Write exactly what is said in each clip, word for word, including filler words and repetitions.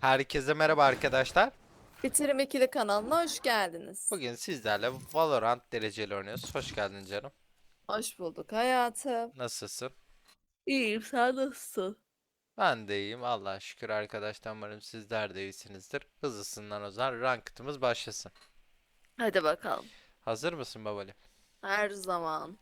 Herkese merhaba arkadaşlar. Bitirim ikili kanalına hoş geldiniz. Bugün sizlerle Valorant dereceli oynuyoruz. Hoş geldin canım. Hoş bulduk hayatım. Nasılsın? İyiyim, sen nasılsın? Ben de iyiyim. Allah'a şükür arkadaşlar. Umarım sizler de iyisinizdir. Hızlısından o zaman ranked'ımız başlasın. Hadi bakalım. Hazır mısın babali? Her zaman.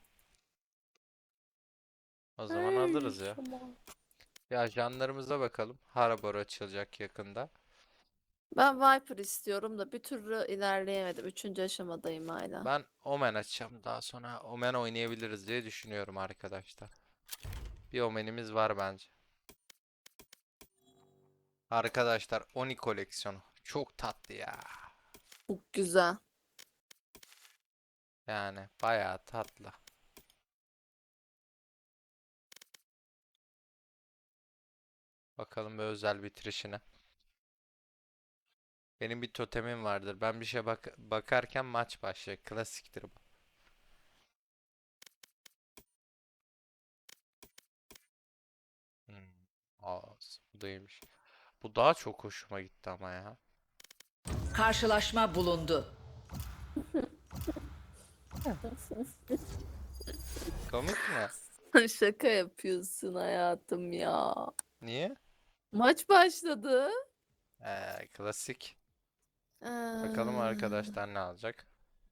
O zaman Her alırız ya. zaman. Ya ajanlarımıza bakalım. Harabor açılacak yakında. Ben Viper istiyorum da bir türlü ilerleyemedim. Üçüncü aşamadayım hala. Ben Omen açacağım. Daha sonra Omen oynayabiliriz diye düşünüyorum arkadaşlar. Bir Omen'imiz var bence. Arkadaşlar Oni koleksiyonu. Çok tatlı ya. Çok güzel. Yani bayağı tatlı. Bakalım bir özel bitirişine. Benim bir totemim vardır. Ben bir şey bak bakarken maç başlıyor. Klasiktir bu. Hmm. Aa, bu değilmiş. Bu daha çok hoşuma gitti ama ya. Karşılaşma bulundu. Komik mi? Şaka yapıyorsun hayatım ya. Niye? Maç başladı. Ee, klasik. Bakalım Ee, arkadaşlar ne alacak.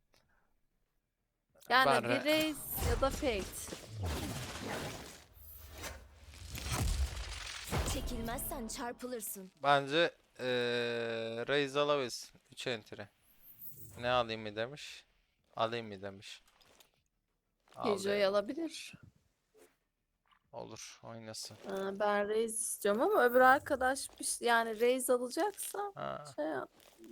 Ben Yani bir re- Raze ya da Fate. Çekilmezsen çarpılırsın. bence ee, Raze alabilirsin. üç entry. Ne alayım mı demiş. Alayım mı demiş. Al Killjoy diyelim. alabilir. Olur, oynasın. Ee, Ben Raze istiyorum ama öbür arkadaş bir şey- yani Raze alacaksa Ha. şey yap.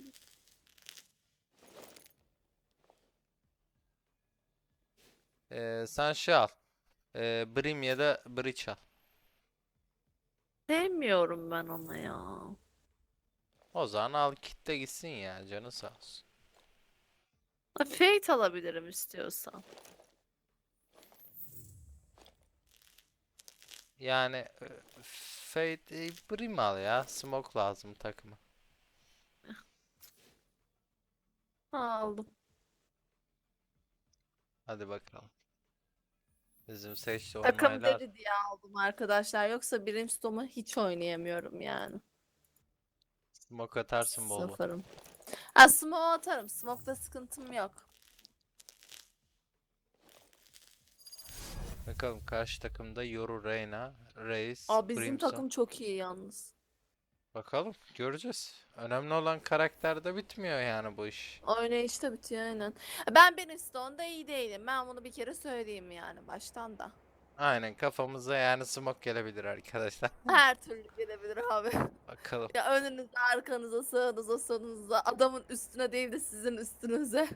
Ee, sen şey al. Ee, Brim ya da Breach al. Sevmiyorum ben onu ya. O zaman al kitle gitsin ya, canı sağ olsun. Ha, Fate alabilirim istiyorsan. Yani e, Fate e, Brim al ya. Smoke lazım takıma. Aldım. Hadi bakalım. Bizim seçti Takım onaylar. deri diye aldım arkadaşlar. Yoksa Brimstone'u hiç oynayamıyorum yani. Smoke atarsın bol bol. Sıfırım. Ha, smoke atarım. Smoke'da sıkıntım yok. Bakalım karşı takımda Yoru, Reyna, Reis, Aa, bizim Brimstone. takım çok iyi yalnız. Bakalım göreceğiz. Önemli olan karakterde bitmiyor yani bu iş. Oynayışta bitiyor aynen. Ben Brimstone'da iyi değilim. Ben bunu bir kere söyleyeyim yani baştan da. Aynen, kafamıza yani smoke gelebilir arkadaşlar. Her türlü gelebilir abi. Bakalım. Ya önünüze, arkanıza, sağınıza, solunuza, adamın üstüne değil de sizin üstünüze.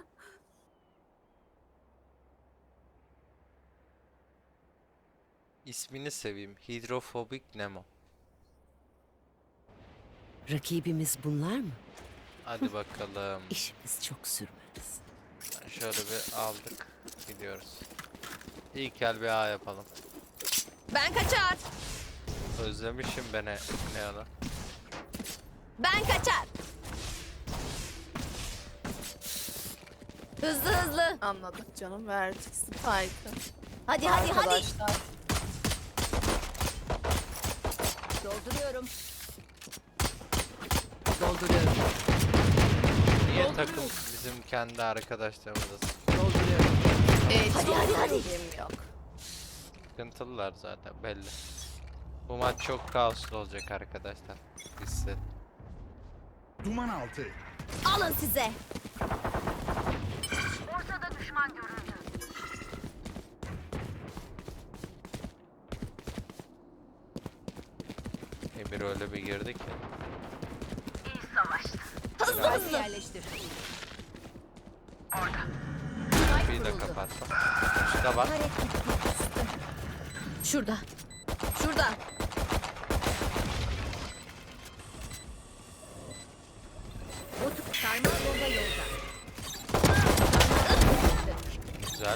İsmini seveyim. Hidrofobik Nemo. Rakibimiz bunlar mı? Hadi bakalım. İşimiz çok sürmez. Şöyle bir aldık. Gidiyoruz. İlk el bir A yapalım. Ben kaçar. Özlemişim beni ne ala. Ben kaçar. Hızlı hızlı. Anladık canım. Verdik Spike'ı. Hadi hadi hadi. Arkadaşlar. Dolduruyorum. Dolduruyorum. Niye takım bizim kendi arkadaşlarımız Dolduruyorum. Hiç Hadi, hadi, hadi. bilgim yok. sıkıntılılar zaten belli. Bu maç çok kaoslu olacak arkadaşlar. Hisset. Duman altı. Alın size. Emir öyle bir girdi ki. Hızlı hızlı. Yerleştir. Bir de kapattım. Şurada bak. Şurada. Şurada. Otur. Sarmal bomba yolda. Güzel.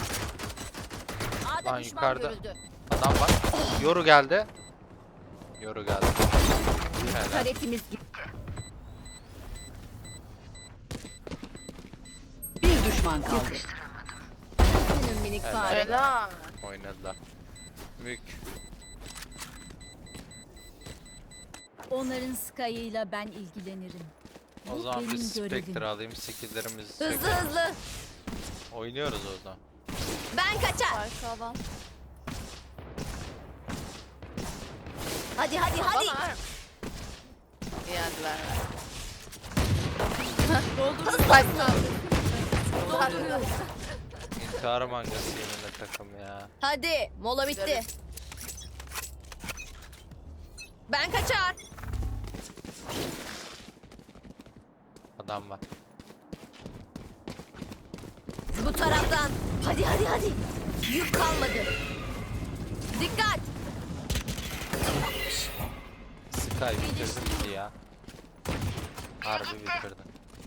A'da Lan düşman yukarıda. görüldü. Adam var. Yoru geldi. Yoru geldi. Helal. Karetimiz gitti. Bir düşman kaldı. Senin minik Helal. fare. Helal. Oynadılar. Mük. Onların Sky'ıyla ben ilgilenirim. O Bu zaman benim bir Spectre görevim. alayım. Skill'lerimizi Hızlı çekelim. hızlı. Oynuyoruz o zaman. Ben kaçar. Arka adam. Hadi hadi hadi. Bana. Yendiler. Hızlı Spike hızlı. kaldı. İntihar mangası yeminle takım ya. Hadi mola bitti. Ben kaçar. Adam var. Bu taraftan. Hadi hadi hadi. Yük kalmadı. Dikkat. Sky bitirdi bizi ya. Harbi bitirdi.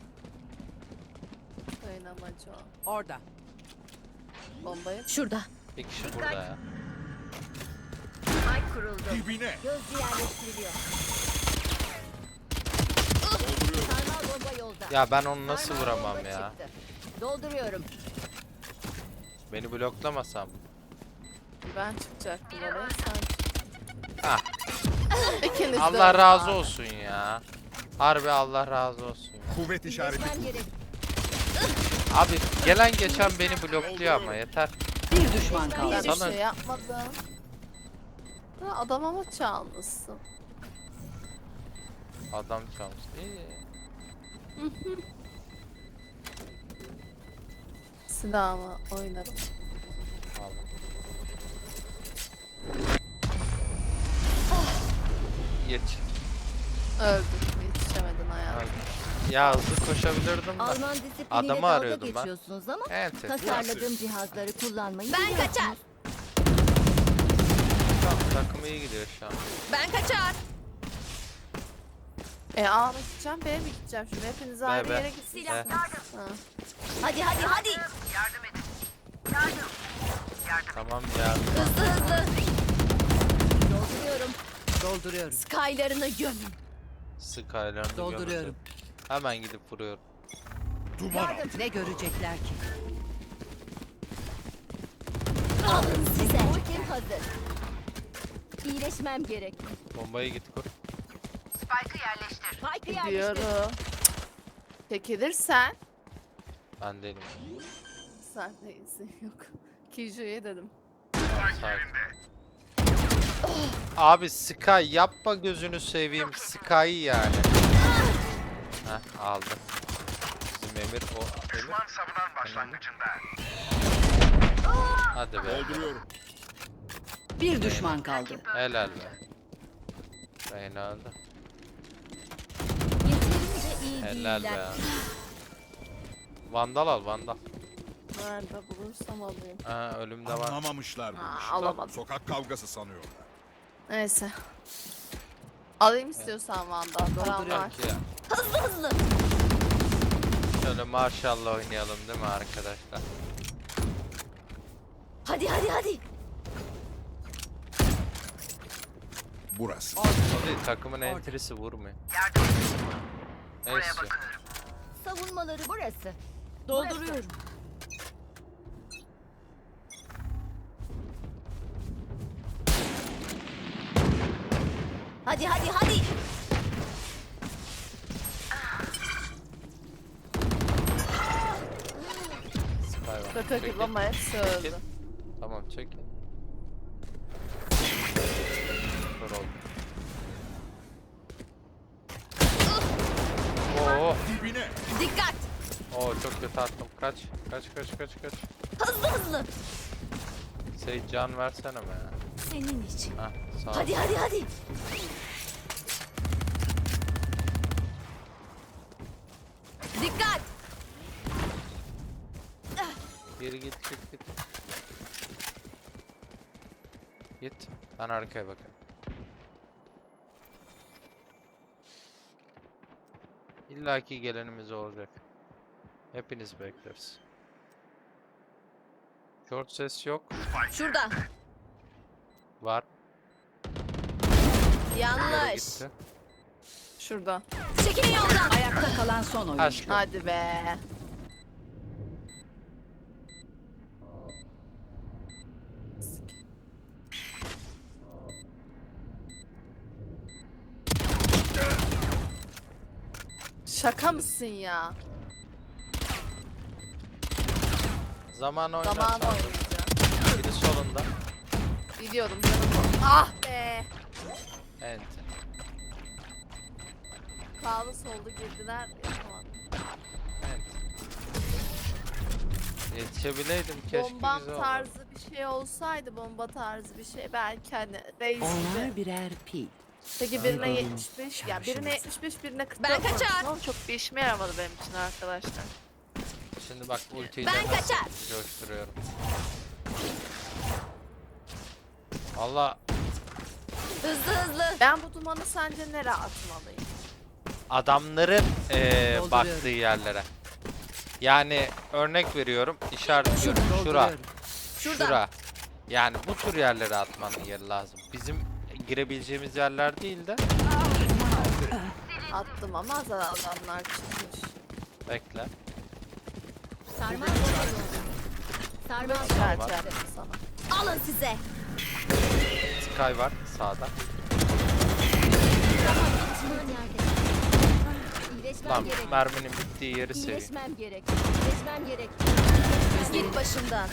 Oynamacı o. Orada. Bombayı. Şurada. Bir kişi burada ya. Ay kuruldu. Dibine. Gözcü yerleştiriliyor. Dolduruyorum. Sarmal bomba yolda. Ya ben onu nasıl Sarmal vuramam bomba ya? çıktı. Dolduruyorum. Beni bloklamasam. Ben çıkacaktım oraya. Sen çık. Ah, İkiniz de Allah öyle razı abi. olsun ya. Harbi Allah razı olsun ya. Kuvvet işareti. Geçmem gerek. Abi gelen geçen beni blokluyor ama yeter. Bir düşman Ben kaldı. bir Sana- şey yapmadım. Ha, adam ama çalmışsın. Adam çalmış. İyi. Silahımı oynarım. Aldım. Geç. Öldüm. Yetişemedin hayatım. Aldım. Ya hızlı koşabilirdim da. Alman disipliniyle Adamı dalga arıyordum ben. geçiyorsunuz ama Evet. tasarladığım cihazları kullanmayı Ben kaçar. Takım iyi gidiyor şu an. Ben kaçar. E A mı gideceğim B'ye mi gideceğim şimdi? Hepiniz ayrı be. yere gitsiniz. Be. Ha. Hadi hadi hadi. Tamam ya. Hızlı hızlı. Dolduruyorum. Dolduruyorum. Skylarını gömün. Skyler'ını Dolduruyorum. gömüldü. Hemen gidip vuruyorum. Duman altı. Ne görecekler ki? Alın size. Ultim hazır. İyileşmem gerek. Bombayı git kur. Spike'ı yerleştir. Gidiyorum. Çekilirsen. Ben değilim. Sen değilsin yok. Kiju'ya dedim. Tamam, sakin. Abi Sky yapma gözünü seveyim Sky yani. Heh aldım. Bizim Emir o Emir. savunan başlangıcında. Hadi be. Dolduruyorum. Bir düşman kaldı. Helal be. Reyna öldü. Yeterince iyi Helal değiller. be. Vandal al vandal. Nerede bulursam alayım. Ha ölümde var. Anlamamışlar bu Aa, işi. alamadım. Sokak kavgası sanıyorlar. Neyse. Alayım istiyorsan Vandal. Param var. Ya. Hızlı hızlı. Şöyle maşallah oynayalım değil mi arkadaşlar? Hadi hadi hadi. Burası. O değil takımın entrisi vurmuyor. Neyse. Savunmaları burası. Dolduruyorum. Hadi hadi hadi. Sky var. Şaka Çekil, gibi ama hepsi çekil. öldü. Tamam çekil. Kör oldu. Oo, Dibine. Dikkat. oo çok kötü attım. Kaç, kaç, kaç, kaç, kaç. Hızlı hızlı. Seyit can versene be ya. Senin için. Hah, sağ ol. Hadi hadi hadi. Dikkat. Geri git, git, git. Git. Ben arkaya bakayım. İlla ki gelenimiz olacak. Hepiniz bekleriz. Short ses yok. Şurada. Var. Nereye Yanlış. gitti? Şurada. Çekilin yoldan. Ayakta kalan son oyuncu. Aşkım. Hadi be. Şaka mısın ya? Zaman oynar. Zamanı sandım. oynayacağım. Biri solunda. Biliyordum canım. Ah be. Evet. Sağlı sollu girdiler. Yapamadım. Evet. Yetişebileydim keşke, Bombam güzel olurdu. tarzı bir şey olsaydı, bomba tarzı bir şey belki hani reis Onlar gibi. birer pil. Peki birine yetmiş beş, ya birine şarjımız. yetmiş beş, birine kırk Ben dört vurmuşum kaçar. ama çok bir işime yaramadı benim için arkadaşlar. Şimdi bak ultiyi Ben de nasıl kaçar. coşturuyorum. Valla Hızlı hızlı. Ben bu dumanı sence nereye atmalıyım? adamların eee Dolduruyorum. baktığı yerlere. Yani örnek veriyorum, işaretliyorum. Şura, Dolduruyorum. Şurada. şura. Yani bu tür yerlere atmanın yeri lazım. Bizim girebileceğimiz yerler değil de. Attım ama az adamlar çıkmış. Bekle. Sarmal bomba yolda. Sarmal bomba. İşaret var. yaptım sana. Alın size. Sky var sağda. Düşman yerde. İyileşmem Lan gerek. merminin bittiği yeri seveyim. İyileşmem gerek. İyileşmem gerek. Git başımdan.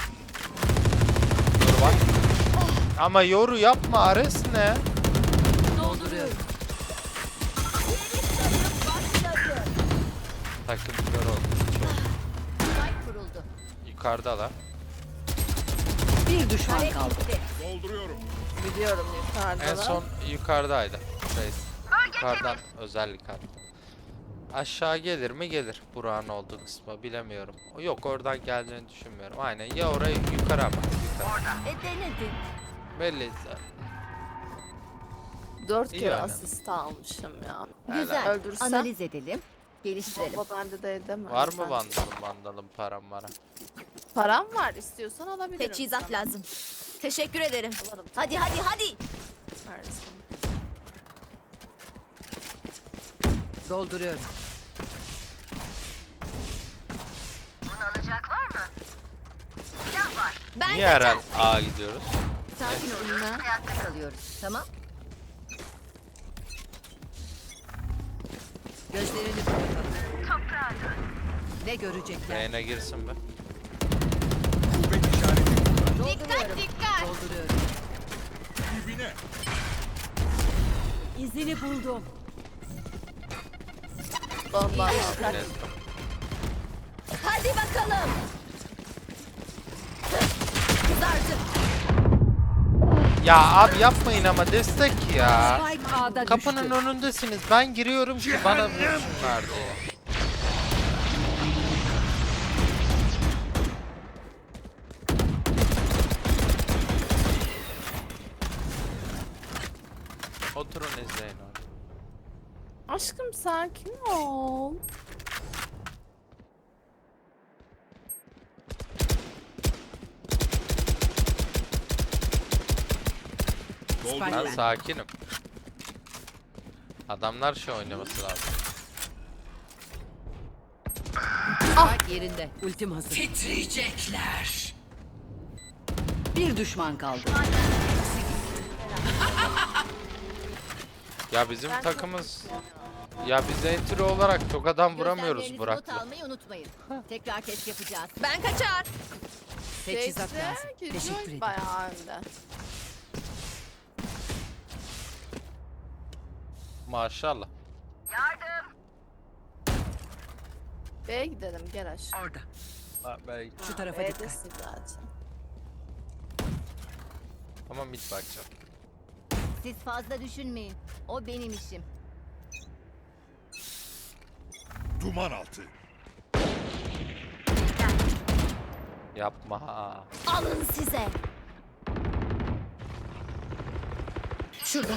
Yoru var. Ama yoru yapma, Ares ne? Dolduruyorum. Takım kör oldu. Spike kuruldu. Yukarıda da. Bir düşman Kare kaldı. gitti. Dolduruyorum. Biliyorum yukarıda En da. son yukarıdaydı. Reis. Yukarıdan özellik aldı. Aşağı gelir mi? Gelir. Burak'ın olduğu kısma bilemiyorum. Yok, oradan geldiğini düşünmüyorum. Aynen, ya oraya yukarı ama. Yukarı. E denedin. Belli zaten. Dört İyi kere yani. asist almışım ya. Güzel. Öldürsem Analiz edelim. Geliştirelim. bomba bende de edemem. Var mı ben. vandalım vandalım param var? Param var, istiyorsan alabilirim. Teçhizat sana. lazım. Teşekkür ederim. Alırım. Hadi hadi hadi. Versin. Dolduruyorum. Ben Niye her kaçar. an A gidiyoruz? Sakin olun. Ayakta kalıyoruz. Tamam. Gözlerini kapatalım. Ne görecekler? Yayına girsin be. Kuvvet işareti. Dolduruyorum. Dikkat. Dolduruyorum. Dibine. İzini buldum. Bomba. Evet. Hadi bakalım. Kızardı. Ya abi yapmayın ama, destek ya. Spike A'da Kapının düştü. önündesiniz. Ben giriyorum ki bana vursunlar diye. Oturun izleyin onu. Aşkım sakin ol. Spike Ben ben. sakinim. Adamlar şey oynaması lazım. Spike yerinde. Ultim hazır. Titriyecekler. Bir düşman kaldı. Ya bizim Ben takımız, ya biz entry olarak çok adam vuramıyoruz Gözlemlerinizi Burak'la. not almayı unutmayın. Tekrar test yapacağız. Ben kaçar. Teçhizat Şeyse, lazım. geziyor Teşekkür ederim. Bayağı önde. Maşallah. B'ye gidelim gel aşağı. Orada. Ha, belki. Şu tarafa dikkat. B'desin zaten. Ama mid bakacağım. Siz fazla düşünmeyin. O benim işim. Duman altı. Yapma ha. Alın size. Şurada.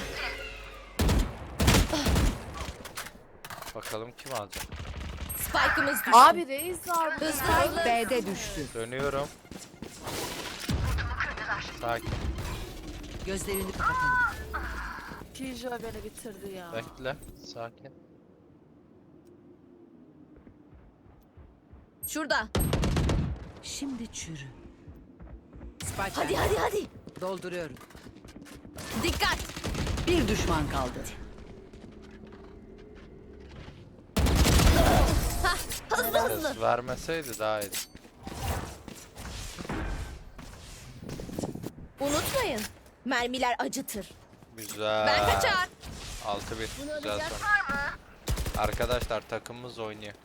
Bakalım kim alacak. Spike'ımız düştü. Abi reis var burada. Hızlı hızlı. B'de düştü. Dönüyorum. Sakin. Gözlerini kapatalım. Kijo beni bitirdi ya. Bekle. Sakin. Şurada. Şimdi çürü. Spike Hadi bende. hadi hadi. Dolduruyorum. Dikkat. Bir düşman kaldı. Hızlı hızlı. Ses vermeseydi daha iyiydi. Unutmayın. Mermiler acıtır. Güzel. Ben kaçar. altı bir. Bunu Güzel alacak son. Arkadaşlar takımımız oynuyor.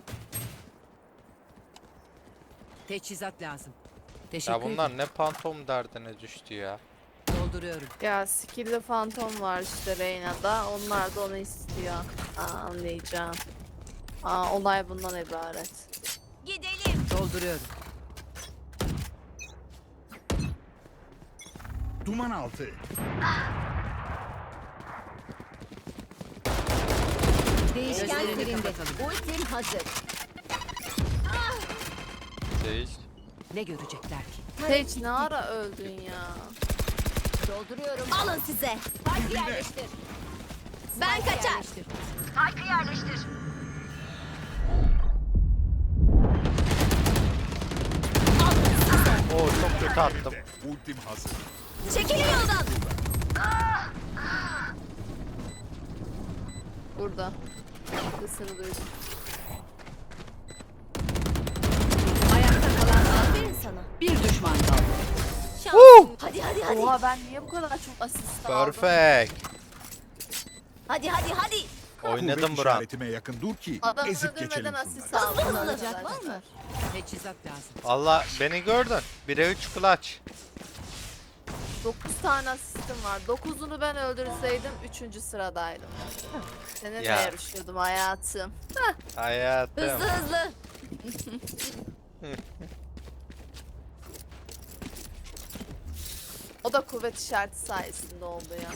Teçhizat lazım. Teşekkür Ya bunlar ederim. ne pantom derdine düştü ya. Dolduruyorum. Ya skill'li fantom var işte Reyna'da. Onlar da onu istiyor. Aa, anlayacağım. Aa, olay bundan ibaret. Gidelim. Dolduruyorum. Duman altı. Değişken Gözlerini serinde. kapatalım. Ultim hazır. Değil. Ne görecekler ki? Sage ne ara öldün ya? Dolduruyorum. Alın size. Spike yerleştir. Ben kaçar. Yerleştir. Oo çok kötü attım. Ultim hazır. Çekilin yoldan. Burada. Sesini duydum. Ayakta kalan Aferin sana. bir düşman kaldı. Şansın. Hadi hadi hadi. Oha ben niye bu kadar çok asist aldım? Perfect. Hadi hadi hadi. Oynadım Kuvvet Burak. işaretime yakın dur ki Adam ezip öldürmeden geçelim asist şunları. aldım. Hızlı Alacak var mı? Teçhizat lazım. Valla beni gördün. bire üç clutch. dokuz tane asistim var. dokuzunu ben öldürseydim üçüncü sıradaydım. Seninle Ya. yarışıyordum hayatım. Hayatım. Hızlı hızlı. O da kuvvet işareti sayesinde oldu ya.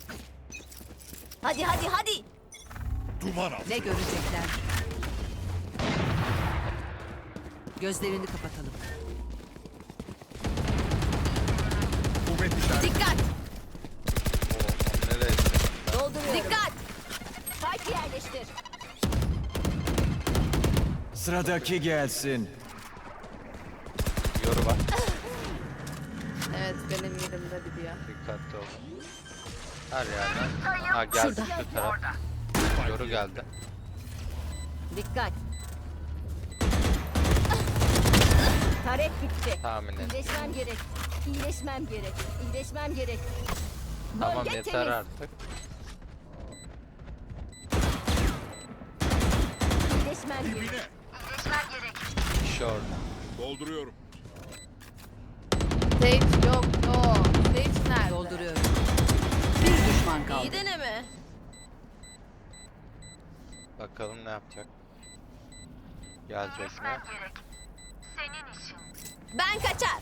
Hadi hadi hadi. Duman altı. Ne görecekler? Gözlerini kapatalım. Kuvvet işareti. Dikkat. Oo, nereye? Dolduruyorum. Dikkat. Spike yerleştir. Sıradaki gelsin. Yoru var. Evet benim yerimde biliyor. Dikkatli ol. Her yerden. Ha geldi şu taraf. Yoru geldi. Dikkat. Taret bitti. Tahmin et. İyileşmem gerek. İyileşmem gerek. İyileşmem gerek. Tamam Bölge yeter temiz. artık. İyileşmem gerek. Dibine. İş orada. Dolduruyorum. Sage yok o. Sage nerede? Dolduruyorum. Bir düşman kaldı. İyi deneme. Bakalım ne yapacak. Gelecek mi? Ben kaçar.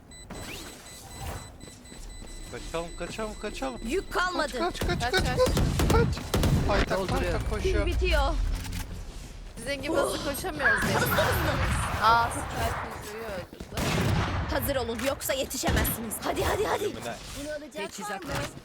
Kaçalım kaçalım kaçalım. Yük kalmadı. Kaç kaç Kaç kaç kaç. kaç. Hayta Dolduruyorum. hayta koşuyor. Bitiyor. Sizin gibi hızlı koşamıyoruz ya. Aa Skype yüzüğü öldürdü. Hazır olun yoksa yetişemezsiniz. Hadi hadi hadi. Ölümüne. Bunu alacak var Teçhizat mı? lazım.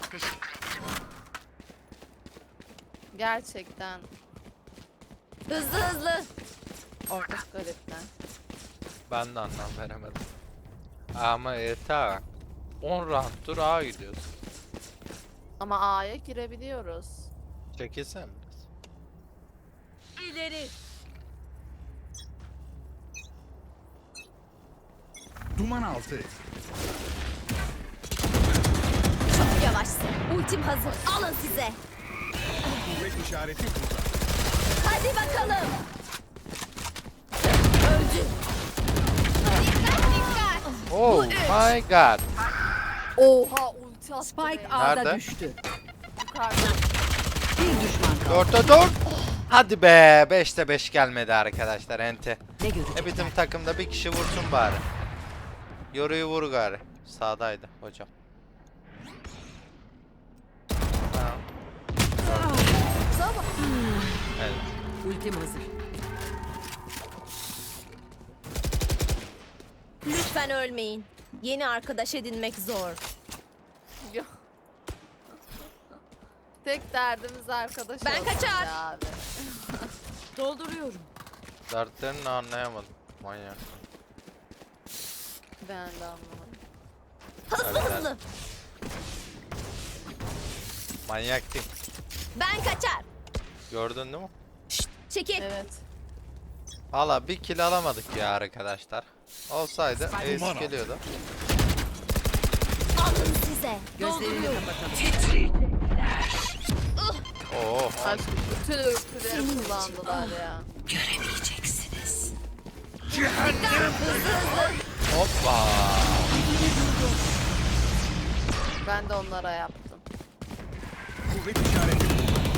Gerçekten. Hızlı hızlı. Orta garipten. Ben de anlam veremedim. Ama yeter. on round'dur A gidiyoruz. Ama A'ya girebiliyoruz. Çekilsen biraz. İleri. Duman altı. Çok yavaşsın. Ultim hazır. Alın size. Kuvvet işareti burada. Hadi bakalım. Öldü. Dikkat dikkat. Oh my god. Oha ulti attı. Spike Reyna. A'da Nerede? düştü. Yukarıda. Bir düşman kaldı. dörtte dört. Hadi be. beşte beş gelmedi arkadaşlar ente. Ne E görecekler? bizim takımda bir kişi vursun bari. Yoruyu vur gari. Sağdaydı hocam. Tamam. Evet. Ultim hazır. Lütfen ölmeyin. Yeni arkadaş edinmek zor. Ya. Tek derdimiz arkadaş Ben olsun kaçar. ya abi. Dolduruyorum. Dertlerini anlayamadım. Manyak. Ben de anlamadım. Hızlı Harbiden. hızlı. Manyak değil. Ben kaçar. Gördün değil mi? Çekil. Evet. Valla bir kill alamadık ya arkadaşlar. Olsaydı ace Duman al. geliyordu. Alın size. Gözlerini Dolduruyorum. kapatalım. Oo. Aşkım bütün ürküleri kullandılar ya. Göremeyeceksiniz. Hoppa. Ben de onlara yaptım. Kuvvet işareti.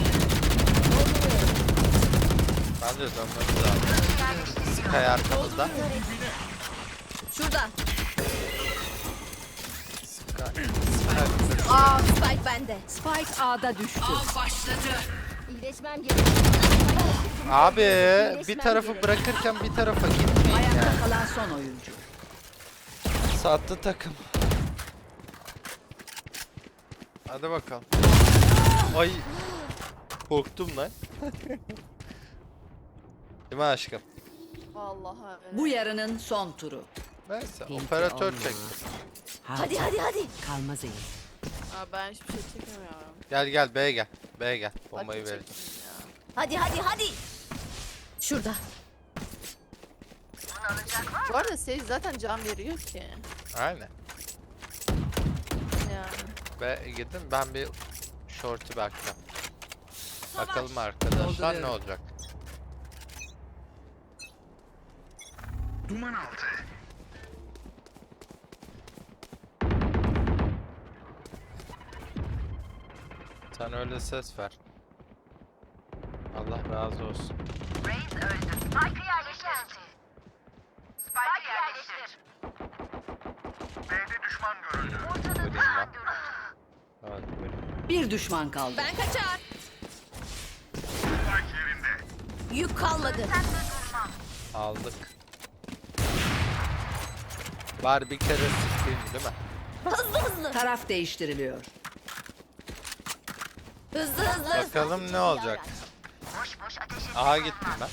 Bence dönmemiz lazım. Sky arkamızda. Şurada. Sky. Sky. Aa, Spike bende. Spike A'da düştü. İyileşmem gerek. Abi bir tarafı bırakırken bir tarafa gitmeyin Ayakta yani. kalan son oyuncu. Sattı takım. Hadi bakalım. Ay. Korktum lan. Değil mi aşkım? Vallahi öyle. Bu yarının son turu. Neyse Pinti operatör olmuyor. çekti. Hadi hadi hadi. Kalmaz elim. Aa, ben hiçbir şey çekemiyorum. Gel gel B'ye gel. B'ye gel. Bombayı Hadi vereceğim. çekeyim ya. Hadi hadi hadi. Şurada. Bu arada Sage zaten can veriyor ki. Aynen. Yani. Be gidin ben bir short'u bakacağım. Bakalım arkadaşlar ne Dolduruyorum. olacak. Duman altı. Sen öyle ses ver. Allah razı olsun. Vurayım lan. Evet, vurayım. Bir düşman kaldı. Ben kaçar. Yük kalmadı. Aldık. Var bir kere sıkayım değil mi? Hızlı hızlı. Taraf değiştiriliyor. Hızlı hızlı. Bakalım ne olacak. Aha gittim ben.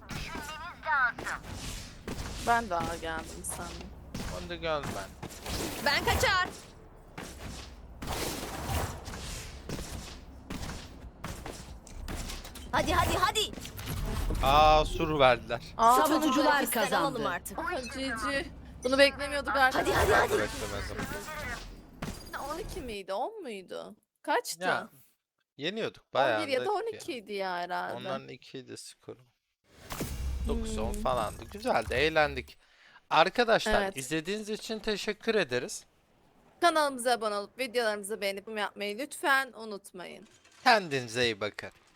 Ben daha geldim sandım. Onu da gördüm ben. Ben kaçar. Hadi hadi hadi. Aa sur verdiler. Aa, Savunucular Bizden alalım kazandı. artık. Aa, Cici. Bunu beklemiyorduk artık. Hadi hadi hadi. Beklemezdim. on iki miydi? on muydu? Kaçtı? Ya yeniyorduk bayağı. on bir ya da da on ki. iki idi ya herhalde. Onların ikiydi skoru. dokuz on Hmm. falandı. Güzeldi, eğlendik. Arkadaşlar Evet. izlediğiniz için teşekkür ederiz. Kanalımıza abone olup videolarımızı beğenip yapmayı lütfen unutmayın. Kendinize iyi bakın.